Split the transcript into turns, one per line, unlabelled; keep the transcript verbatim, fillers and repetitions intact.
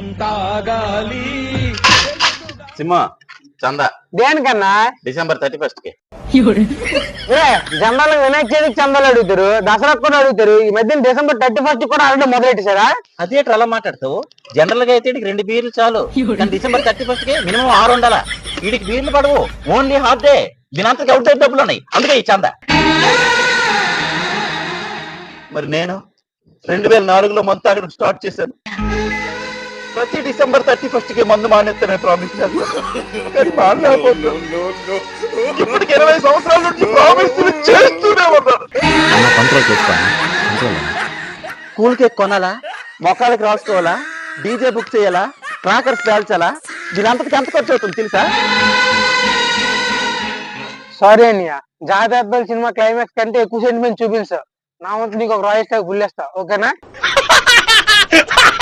తాగాలి.
సింహ చందా
దేనికన్నా
డిసెంబర్ థర్టీ ఫస్ట్ కి
జనరల్ వినాయక చవితికి చందాలు అడుగుతారు, దసరా కూడా అడుగుతారు. ఈ మధ్య డిసెంబర్ థర్టీ ఫస్ట్ కూడా అడగడం మొదలెట్టేశారా?
అదేంటి అలా మాట్లాడతావు? జనరల్ గా అయితే రెండు బీర్లు చాలు, కానీ డిసెంబర్ థర్టీ ఫస్ట్ కి మినిమం ఆరు ఉండాలా. వీడికి బీర్లు పడవు, ఓన్లీ హాఫ్ డే. దీనంతకి అవుట్ సైడ్ డబ్బులు ఉన్నాయి, అందుకే ఈ చందా. మరి నేను రెండు వేల నాలుగులో మందు తాగడం స్టార్ట్ చేశాను. ప్రతి డిసెంబర్ థర్టీ ఫస్ట్ కి మందు మానేస్తానే ప్రామిస్ చేస్తాను. ఇప్పటికి ఇరవై సంవత్సరాల నుంచి ప్రామిస్ చేస్తూనే ఉన్నాను. కూల్ కేక్ కొనాలా, మొక్కలకి రాసుకోవాలా, డీజే బుక్ చేయాలా, ట్రాకర్స్ పేల్చాలా, దీనంతకి ఎంత ఖర్చు అవుతుంది తెలుసా?
సారీ అన్నయ్య, జాగ్రత్త సినిమా క్లైమాక్స్ కంటే ఎక్కువ సెంటిమెంట్ చూపించావు. నా వంతు నీకు ఒక రాయిస్తా గుల్లేస్తా, ఓకేనా?